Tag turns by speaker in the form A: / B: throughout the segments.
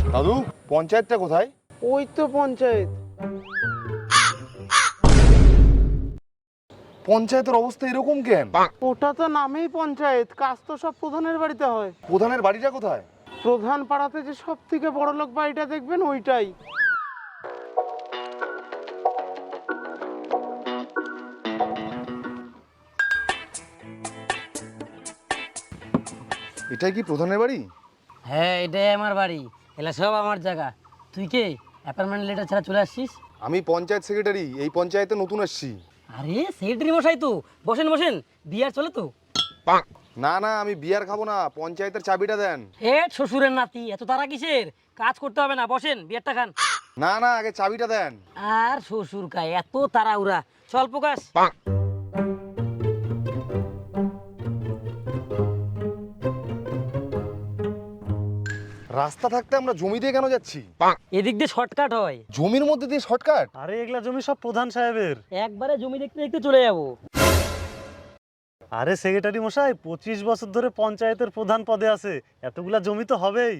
A: দাদু, পঞ্চায়েতটা কোথায়?
B: ওই তো পঞ্চায়েত।
A: পঞ্চায়েতের অবস্থা এরকম কেন?
B: ওটা তো নামেই পঞ্চায়েত, কাজ তো সব প্রধানের বাড়িতে হয়।
A: প্রধানের বাড়িটা কোথায়?
B: প্রধান পাড়াতে যে সব থেকে বড় লোক বাড়িটা দেখবেন ওইটাই।
A: এটাই কি প্রধানের বাড়ি?
C: হ্যাঁ, এটাই আমার বাড়ি, এলা সব আমার জায়গা। তুই কে অ্যাপার্টমেন্ট লেটার ছাড়া চলে আসছিস?
A: আমি পঞ্চায়েত সেক্রেটারি, এই পঞ্চায়েতে নতুন আসছি।
C: আরে সেক্রেটারি মশাই তো, বসেন বসেন, বিয়ার চলে তো?
A: না না, আমি বিয়ার খাবো না, পঞ্চায়েতের চাবিটা দেন।
C: এ শ্বশুরের নাতি, এত তারা কিসের? কাজ করতে হবে না, বসেন বিয়ারটা খান।
A: না না, আগে চাবিটা দেন।
C: আর শ্বশুর কায় এত তাড়াহুড়া, চল প্রকাশ।
A: রাস্তা থাকতে আমরা জমি দিয়ে কেন যাচ্ছি?
C: এদিক দিয়ে শর্টকাট হয়।
A: জমির মধ্যে দিয়ে শর্টকাট?
D: আরে এগুলা জমি সব প্রধান সাহেবের।
C: একবারে জমি দেখতে দেখতে চলে যাবো।
D: আরে সেক্রেটারি মশাই 25 বছর ধরে পঞ্চায়েতের প্রধান পদে আছে, এতগুলা জমি তো হবেই।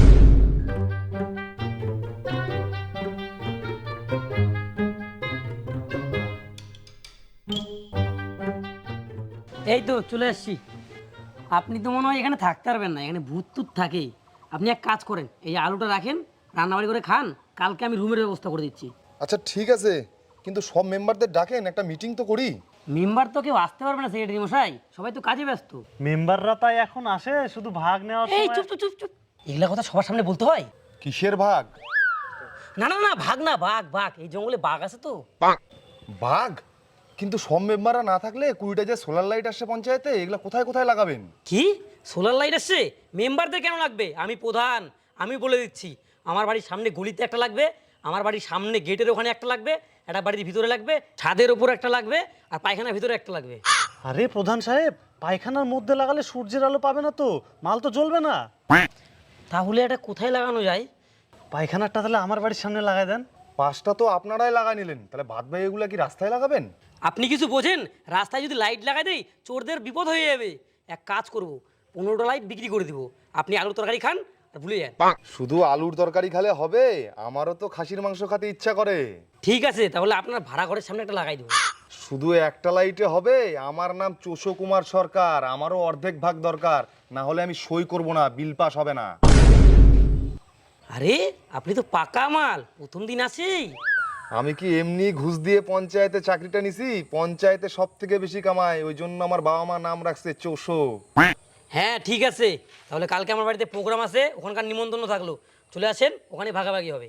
C: এই তো চলে আসছি। আপনি তো মনে হয় এখানে থাকতে পারবেন না, এখানে ভূত টুত থাকে। আপনি এক কাজ করেন, এই আলুটা রাখেন, রান্নাবাড়ি করে খান, কালকে আমি রুমের ব্যবস্থা করে দিচ্ছি।
A: আচ্ছা ঠিক আছে, কিন্তু সব মেম্বারদের ডাকেন, একটা মিটিং তো করি।
C: মেম্বার তো কেউ আসতে পারবে না সেক্রেটারি মশাই, সবাই তো কাজে ব্যস্ত।
D: মেম্বাররা তাই এখন আসে শুধু ভাগ নেওয়ার
C: এই
D: সময়।
C: চুপ চুপ চুপ চুপ, এগুলা কথা সবার সামনে বলতে হয়?
A: কিসের ভাগ?
C: না না না, ভাগ না, বাঘ বাঘ, এই জঙ্গলে বাঘ আছে তো।
A: ভাগ? কিন্তু সব মেম্বাররা না থাকলে 20টা যে সোলার লাইট আসছে পঞ্চায়েতে, এগুলা কোথায় কোথায় লাগাবেন?
C: কি সোলার লাইট আসছে? মেম্বারদের কেন লাগবে? আমি প্রধান, আমি বলে দিচ্ছি। আমার বাড়ির সামনে গলিতে একটা লাগবে, আমার বাড়ির সামনে গেটের ওখানে একটা লাগবে, একটা বাড়ির ভিতরে লাগবে, ছাদের উপর একটা লাগবে, আর পায়খানার ভিতরে একটা লাগবে।
D: আরে প্রধান সাহেব, পায়খানার মধ্যে লাগালে সূর্যের আলো পাবে না তো, মাল তো জ্বলবে না।
C: তাহলে এটা কোথায় লাগানো যায়?
D: পায়খানারটা তাহলে আমার বাড়ির সামনে লাগাই দেন।
A: 5টা তো আপনারাই লাগা নিলেন, তাহলে বাদ বাকি এগুলা কি রাস্তায় লাগাবেন?
C: আপনি কিছু বোঝেন? রাস্তায় যদি লাইট লাগাই দেই চোরদের বিপদ হয়ে যাবে। এক কাজ করব, 15টা লাইট বিক্রি করে দিব, আপনি আলুর তরকারি খান আর ভুলে যান।
A: শুধু আলুর তরকারি খেলে হবে? আমারও তো খাসির মাংস খেতে ইচ্ছা করে।
C: ঠিক আছে, তাহলে আপনার ভাড়া ঘরের সামনে একটা লাগাই দেবো।
A: শুধু একটা লাইটে হবে? আমার নাম চোষো কুমার সরকার, আমারও অর্ধেক ভাগ দরকার, না হলে আমি সই করব না, বিল পাস হবে না।
C: আরে আপনি তো পাকা মাল, প্রথম দিন আছেই।
A: আমি কি এমনি ঘুষ দিয়ে পঞ্চায়েতে চাকরিটা নিছি? পঞ্চায়েতে সব থেকে বেশি কামাই, ওই জন্য আমার বাবা মা নাম রাখছে চোষো।
C: হ্যাঁ ঠিক আছে, তাহলে কালকে আমার বাড়িতে প্রোগ্রাম আছে, ওখানকার নিমন্ত্রণ থাকলো, চলে আসেন, ওখানে ভাগাভাগি হবে।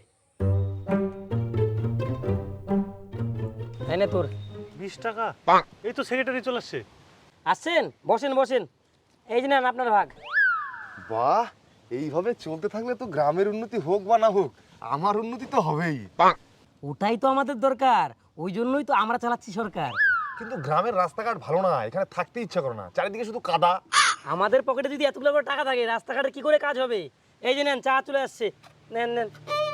C: তাই না তোর?
D: 20 টাকা? এই তো সেক্রেটারি চলে আসছে।
C: আসছেন, বসেন বসেন, এই যে নেন আপনার ভাগ।
A: বাহ, এইভাবে চলতে থাকলে তো গ্রামের উন্নতি হোক বা না হোক, আমার উন্নতি তো হবেই।
C: ওটাই তো আমাদের দরকার, ওই জন্যই তো আমরা চালাচ্ছি সরকার।
A: কিন্তু গ্রামের রাস্তাঘাট ভালো না, এখানে থাকতে ইচ্ছা করে না, চারিদিকে শুধু কাদা।
C: আমাদের পকেটে যদি এতগুলো করে টাকা থাকে, রাস্তাঘাটে কি করে কাজ হবে? এই যে নেন, চা চলে আসছে, নেন নেন।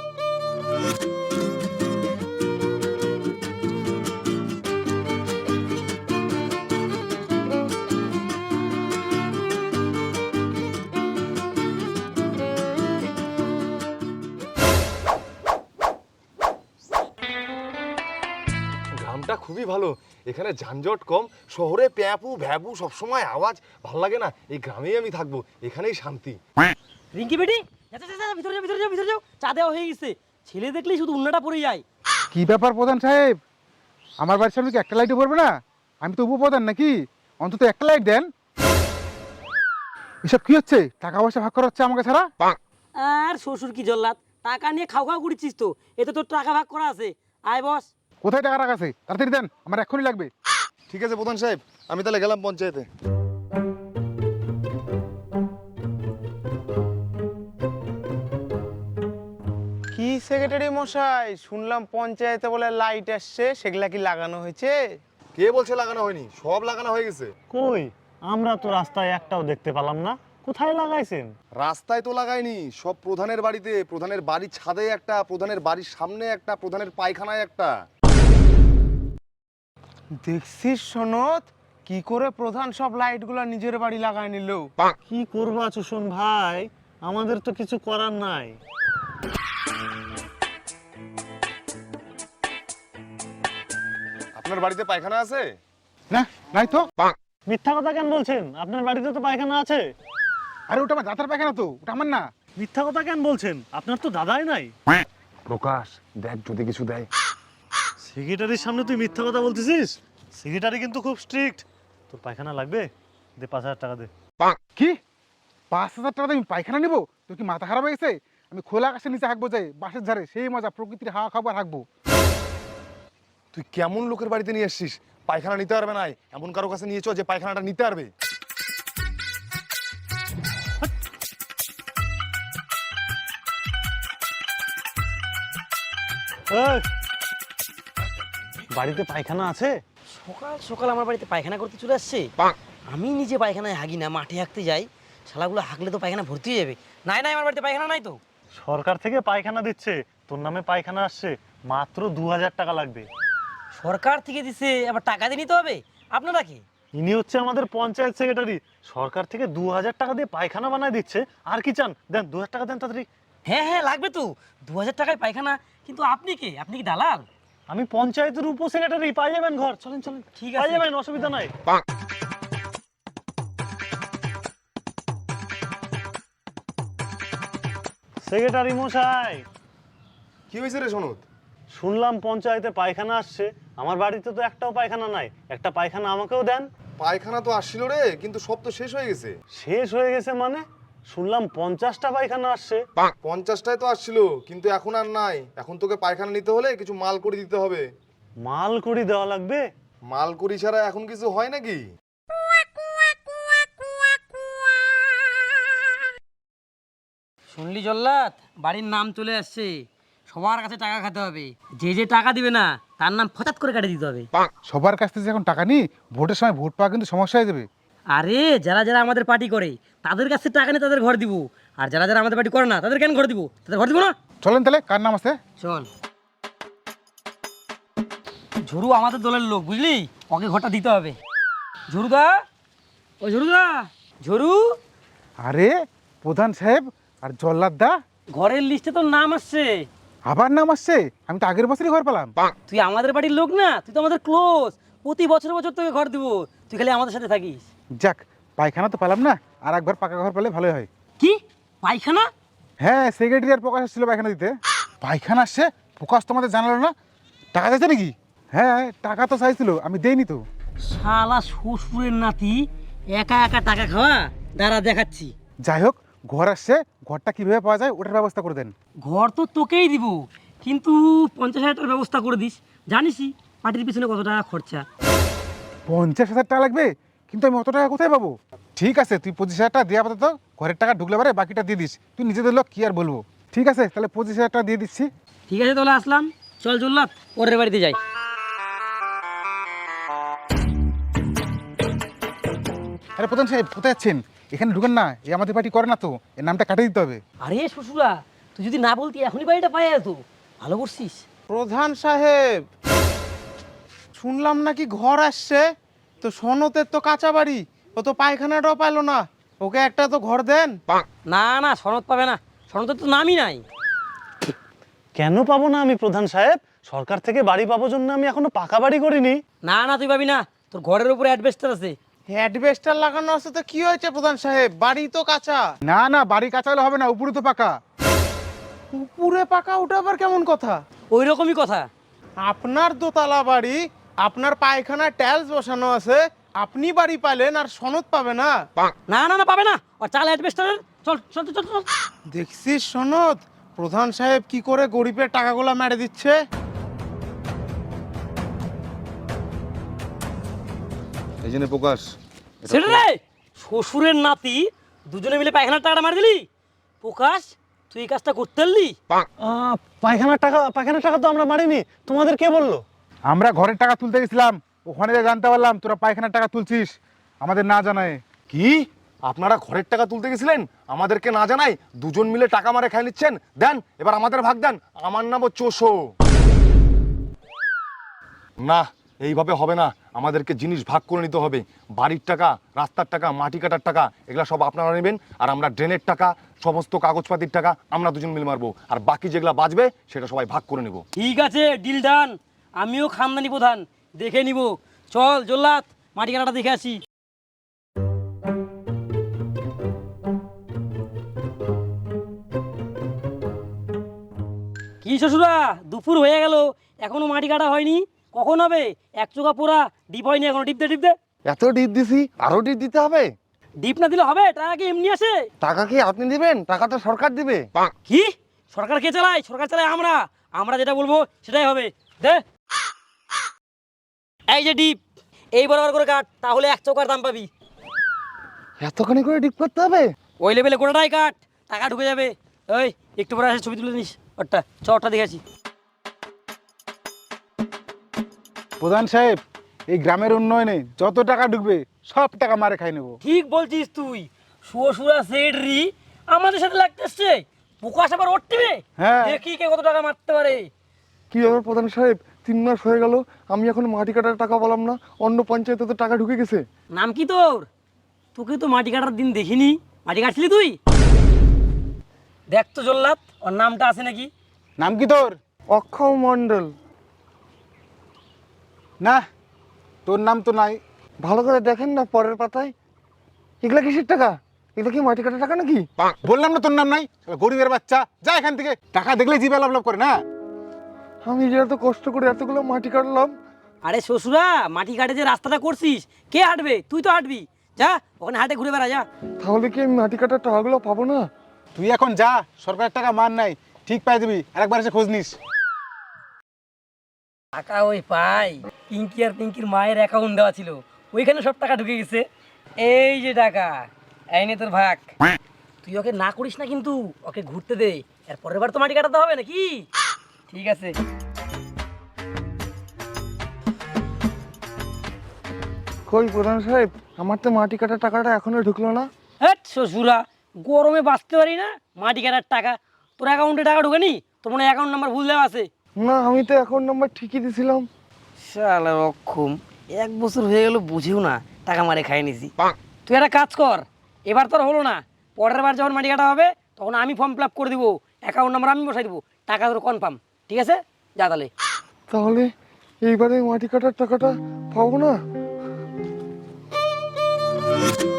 A: গ্রামটা খুবই ভালো, এখানে যানজট কম। শহরে প্যাপু ভ্যাবু সবসময় আওয়াজ, ভাল লাগে না। এই গ্রামেই আমি থাকবো, এখানেই শান্তি।
C: রিঙ্কি বেটি, যা যা যা, ভিতরে যাও ভিতরে যাও ভিতরে যাও, চা দেওয়া হয়ে গেছে। ছেলে দেখলেই শুধু উন্নাটা পড়ে যায়।
E: কি ব্যাপার প্রধান সাহেব, আমার বাড়ির সামনে কি একটা লাইটও পড়বে না? আমি তো উপপ্রধান নাকি? অন্তত একটা লাইট দেন। এসব কি হচ্ছে? টাকা পয়সা ভাগ করা হচ্ছে আমাকে ছাড়া?
C: আর শ্বশুর কি জল্লাদ, টাকা নিয়ে খাও খাও করছিস তো, এতে তোর টাকা ভাগ করা আছে। আয় বস।
E: কোথায় টাকা রাখা আছে? তাড়াতাড়ি দেন, আমার এক্ষুনি লাগবে।
A: ঠিক আছে প্রধান সাহেব, আমি তাহলে গেলাম পঞ্চায়েতে।
B: কি সেক্রেটারি মশাই, শুনলাম পঞ্চায়েতে বলে লাইট আসছে, সেগুলা কি লাগানো হয়েছে?
A: কে বলছে লাগানো হয়নি? সব লাগানো হয়ে গেছে।
D: কই, আমরা তো রাস্তায় একটাও দেখতে পেলাম না, কোথায় লাগাইছেন?
A: রাস্তায় তো লাগাইনি, সব প্রধানের বাড়িতে। প্রধানের বাড়ির ছাদে একটা, প্রধানের বাড়ির সামনে একটা, প্রধানের পায়খানায় একটা।
B: দেখছিস সনদ, কি করে প্রধান সব লাইটগুলো নিজের বাড়ি লাগায় নিল।
D: কি করবা চুষণ ভাই, আমাদের তো কিছু করার নাই।
A: আপনার বাড়িতে পায়খানা আছে?
E: না, নাই তো।
D: মিথ্যা কথা কেন বলছেন? আপনার বাড়িতে তো পায়খানা আছে।
E: আরে ওটা আমার দাদার পায়খানা তো, ওটা আমার না।
D: মিথ্যা কথা কেন বলছেন? আপনার তো দাদাই নাই।
A: প্রকাশ, দেখ যদি কিছু দেয়।
D: সেক্রেটারির সামনে তুই মিথ্যা কথা বলতেছিস? সেক্রেটারি কিন্তু খুব স্ট্রিক্ট। তোর পায়খানা লাগবে? দে 5,000 টাকা দে।
E: কি 5,000 টাকা দিয়ে আমি পায়খানা নিবো? তোর কি মাথা খারাপ হয়ে গেছে? আমি খোলা আকাশের নিচে হাঁকবো, যাই বাসের ধারে, সেই মজা, প্রকৃতির হাওয়া খাবার হাঁকবো।
A: তুই কেমন লোকের বাড়িতে নিয়ে এসছিস? পায়খানা নিতে পারবে না, এমন কারো কাছে নিয়েছো যে পায়খানাটা নিতে পারবে?
D: এই, বাড়িতে পায়খানা আছে?
C: সকাল সকাল আমার বাড়িতে পায়খানা করতে চলে আসছে। আমি নিজে পায়খানায় হাগি না, মাঠে হাঁকতে যাই। শালাগুলো হাঁকলে তো পায়খানা ভর্তি হয়ে যাবে। নাই নাই, আমার বাড়িতে পায়খানা নাই তো।
D: সরকার থেকে পায়খানা দিচ্ছে, তোর নামে পায়খানা আসছে, মাত্র 2,000 টাকা লাগবে।
C: সরকার থেকে দিছে, আবার টাকা দিয়ে নিতে হবে? আপনারা কি?
D: ইনি হচ্ছে আমাদের পঞ্চায়েত সেক্রেটারি। সরকার থেকে 2,000 টাকা দিয়ে পায়খানা বানায় দিচ্ছে। আর কি চান? দেন 2,000 টাকা দেন তাড়াতাড়ি।
C: হ্যাঁ হ্যাঁ, লাগবে তো। 2,000 টাকায় পায়খানা? কিন্তু আপনি কে? আপনি কি দালাল?
D: আমি পঞ্চায়েতের উপ সেক্রেটারি, পাই যাবেন ঘর। চলেন চলেন,
C: ঠিক
D: পাই
C: আছে।
D: যাবেন, অসুবিধা নাই। সেক্রেটারি মশাই,
A: কি হয়েছে রে সনদ?
D: শুনলাম পঞ্চায়েতে পায়খানা আসছে। আমার বাড়িতে তো একটাও পায়খানা নাই। একটা পায়খানা আমাকেও দেন।
A: পায়খানা তো আসছিল রে, কিন্তু সব তো শেষ হয়ে গেছে।
D: শেষ হয়ে গেছে মানে? শুনলাম 50টা পায়খানা আসছে।
A: 50টায় তো আসছিল, কিন্তু এখন আর নাই। এখন তোকে পায়খানা নিতে হলে কিছু মাল করে দিতে হবে।
D: মাল করি দেওয়া লাগবে?
A: মাল করি ছাড়া এখন কিছু হয় নাকি?
C: শুনলি জল্লাদ, বাড়ির নাম চলে আসছে। সবার কাছে টাকা খেতে হবে। যে যে টাকা দিবে না, তার নাম ফচাত করে কাটে দিতে হবে।
E: সবার কাছ থেকে এখন টাকা নিই, ভোটের সময় ভোট পাওয়া কিন্তু সমস্যা হয়ে যাবে।
C: আরে যারা যারা আমাদের পার্টি করে তাদের কাছে টাকা নিয়ে তাদের ঘর দিব। আর যারা যারা আমাদের পার্টি করে না তাদের কেন ঘর দিব? তাদের ঘর দিব না?
E: চলেন তাহলে, কার নাম আছে?
C: চল। ঝুরু আমাদের দলের লোক, বুঝলি? ওকে ঘরটা দিতে হবে। ঝুরুদা, ও ঝুরুদা, ঝুরু।
E: আরে প্রধান সাহেব আর জল্লাদ দা,
C: ঘরের লিস্টে তোর নাম আসছে।
E: আবার নাম আসছে? আমি তো আগের বছরই ঘর পেলাম।
C: তুই আমাদের বাড়ির লোক না, তুই তো আমাদের ক্লোজ। প্রতি বছর বছর তোকে ঘর দিব, তুই খালি আমাদের সাথে থাকিস।
E: যাক, পায়খানা তো পেলাম না, আর একবার পাকা ঘর পেলে ভালোই হয়।
C: কি পায়খানা?
E: হ্যাঁ, সেক্রেটারি আর প্রকাশ আসছিল পায়খানা দিতে। পায়খানা আসছে, প্রকাশ তোমাদের জানালো না? টাকা চাইছে নাকি? হ্যাঁ, টাকা তো চাইছিল, আমি দেইনি তো।
C: শালা শ্বশুরের নাতি, একা একা টাকা খাওয়া। দাঁড়া দেখাচ্ছি।
E: যাই হোক, ঘর আসছে, ঘরটা কিভাবে পাওয়া যায় ওটার ব্যবস্থা করে দেন।
C: ঘর তো তোকেই দিব, কিন্তু 50,000 টাকার ব্যবস্থা করে দিস। জানিসই পার্টির পিছনে কত টাকা খরচা।
E: 50,000 টাকা লাগবে? কিন্তু আমি অত টাকা কোথায় পাবো? ঠিক আছে, তুই 25,000 টাকা দিয়ে আপাতত ঘরের টাকা ঢুকলে পারে বাকিটা দিয়ে দিস। তুই নিজেদের লোক, কি আর বলবো। ঠিক আছে, তাহলে 25,000 টাকা দিয়ে দিচ্ছি।
C: ঠিক আছে, তাহলে আসলাম। চল জল্লাদ, ওরের বাড়িতে যাই।
E: আরে প্রধান সাহেব, কোথায় যাচ্ছেন? এখানে ঢুকেন না, এ আমাদের পার্টি করে না তো, এর নামটা কাটিয়ে দিতে হবে।
C: আরে শ্বশুরা, তুই যদি না বলতি এখনই বাড়িটা পাই যেত। ভালো করছিস।
B: প্রধান সাহেব, শুনলাম নাকি ঘর আসছে। তো সনতের তো কাঁচা বাড়ি, ও তো পায়খানাটাও পাইলো না। ওকে একটা তো ঘর দেন।
C: না না, সনদ পাবে না। সনদের তো নামই নাই।
D: কেন পাবো না আমি প্রধান সাহেব? সরকার থেকে বাড়ি পাবো জন্য আমি এখনো পাকা বাড়ি করিনি।
C: না না, তুই পাবি না। তোর ঘরের উপরে অ্যাডভেস্টার আছে।
B: অ্যাডভেস্টার লাগানো আছে তো কি হয়েছে প্রধান সাহেব? বাড়ি তো কাঁচা।
E: না না, বাড়ি কাঁচা হলে হবে না, উপরে তো পাকা।
B: উপরে পাকা, ওটা আবার কেমন কথা?
C: ওই রকমই কথা।
B: আপনার দোতলা বাড়ি, আপনার পায়খানা টাইলস বসানো আছে, আপনি বাড়ি পাইলেন আর সনদ পাবে না?
C: না না না, পাবে না। আর চাল অ্যাডভেস্টারের। চল চল চল চল।
B: দেখছিস সনদ, প্রধান সাহেব কি করে গরিবের টাকাগুলো মেরে দিচ্ছে।
A: এই জন্য প্রকাশ,
C: সেটা রে, শ্বশুরের নাতি, দুজনে মিলে পায়খানার টাকাটা মার দিলি। প্রকাশ, তুই এই কাজটা করতে পারলি?
D: পায়খানার টাকা তো আমরা মারিনি। তোমাদের কে বললো?
E: আমরা ঘরের টাকা তুলতে গেছিলাম, ওখানে যা জানতে পারলাম তোরা পায়খানার টাকা তুলছিস আমাদের না জানায়।
A: কি আপনারা ঘরের টাকা তুলতে গেছিলেন আমাদেরকে না জানাই? দুজন মিলে টাকা মারে খাই নিচ্ছেন। দেন এবার আমাদের ভাগ দেন। আমার নামও চোষো। না, এইভাবে হবে না। আমাদেরকে জিনিস ভাগ করে নিতে হবে। বাড়ির টাকা, রাস্তার টাকা, মাটি কাটার টাকা, এগুলো সব আপনারা নেবেন। আর আমরা ড্রেনের টাকা, সমস্ত কাগজপাতির টাকা আমরা দুজন মিলে মারবো। আর বাকি যেগুলো বাঁচবে সেটা সবাই ভাগ করে নেব।
C: ঠিক আছে, ডিল ডান। আমিও খানদানি প্রধান, দেখে নিব। চল জল্লাদ, মাটি কাটাটা দেখে আসি। কি শ্বশুরা, দুপুর হয়ে গেল, এখনো মাটি কাটা হয়নি? কখন হবে? এক চোখা পোড়া, ডিপ হয়নি এখনো। ডিপ দে, ডিপ দে।
A: এত ডিপ দিছি, আরো ডিপ দিতে হবে?
C: ডিপ না দিলে হবে? টাকা কি এমনি আসে?
A: টাকা কি আপনি দিবেন? টাকা তো সরকার দিবে।
C: কি? সরকার কে চালায়? সরকার চালায় আমরা। আমরা যেটা বলবো সেটাই হবে। দে। এই যে ডিপ, এই বরাবর করে কাট, তাহলে এক চৌকার দাম পাবি।
A: এতখানি করে ডিপ করতে হবে?
C: ওই লেভেলে গোটাটাই কাট, টাকা ঢুকে যাবে। ওই একটু পরে আসে ছবি তুলে নিস। ওরটা চরটা দেখেছি।
E: প্রধান সাহেব, এই গ্রামের উন্নয়নে যত টাকা ঢুকবে সব টাকা মারে খাই নেবো।
C: ঠিক বলছিস তুই। শ্বশুরা সেডরি আমাদের সাথে লাগতে এসছে। প্রকাশ আবার ওর টিমে।
E: হ্যাঁ।
C: দেখি কে কত টাকা মারতে পারে।
A: কি ব্যাপার প্রধান সাহেব, 3 মাস হয়ে গেল, আমি এখন মাটি কাটার টাকা বললাম না, অন্য পঞ্চায়েতে তো টাকা ঢুকে গেছে।
C: নাম কি তোর? তোকে তো মাটি কাটার দিন দেখিনি। মাটি কাটছিলি তুই? দেখ তো জল্লাদ, ওর নামটা আছে নাকি?
E: নাম কি তোর?
A: অক্ষয় মণ্ডল।
E: না, তোর নাম তো নাই।
A: ভালো করে দেখেন না পরের পাতায়। এগুলা কিসের টাকা? এগুলা কি মাটি কাটার টাকা নাকি?
E: বললাম না তোর নাম নাই, গরিবের বাচ্চা, যা এখান থেকে। টাকা দেখলে জিভে লাভ লাভ করে না।
A: আমি যে এত কষ্ট করে এতগুলো মাটি কাটলাম।
C: আরে শ্বশুরা, মাটি কাটে যে রাস্তাটা করছিস, কে হাঁটবে? তুই তো হাঁটবি। যা ওখানে হাঁটে ঘুরে বেড়া যা।
A: তাহলে কি আমি মাটি কাটার টাকাগুলো পাবো না?
E: তুই এখন যা, সরকারের টাকা মান নাই, ঠিক পাই দিবি। আরেকবার এসে খোঁজ নিস।
C: টাকা ওই পাই, পিঙ্কি আর পিঙ্কির মায়ের অ্যাকাউন্ট দেওয়া ছিল, ওইখানে সব টাকা ঢুকে গেছে। এই যে টাকা, এই নে তোর ভাগ। তুই ওকে না করিস না কিন্তু, ওকে ঘুরতে দে। এর পরের বার তো মাটি কাটাতে হবে নাকি? ঠিক আছে।
A: কই প্রধান সাহেব, আমার তো মাটি কাটার টাকাটা এখনো ঢুকলো না।
C: হ্যাঁ শ্বশুরা, গরমে বাঁচতে পারি না, মাটি কাটার টাকা। তোর অ্যাকাউন্টে টাকা ঢুকেনি? তোর মনে অ্যাকাউন্ট নাম্বার ভুল দেওয়া আছে।
A: না, আমি তো অ্যাকাউন্ট নাম্বার ঠিকই দিছিলাম।
C: শালা রক্ষম, 1 বছর হয়ে গেল বুঝেও না, টাকা মারে খাই নিছি। তুই একটা কাজ কর, এবার তোর হলো না, পরের বার যখন মাটি কাটা হবে তখন আমি ফর্ম ফিল আপ করে দিব, অ্যাকাউন্ট নাম্বার আমি বসাই দিব, টাকা তোর কনফার্ম। ঠিক আছে, যা তাহলে।
A: তাহলে এইবারে মাটি কাটার টাকাটা পাবো না?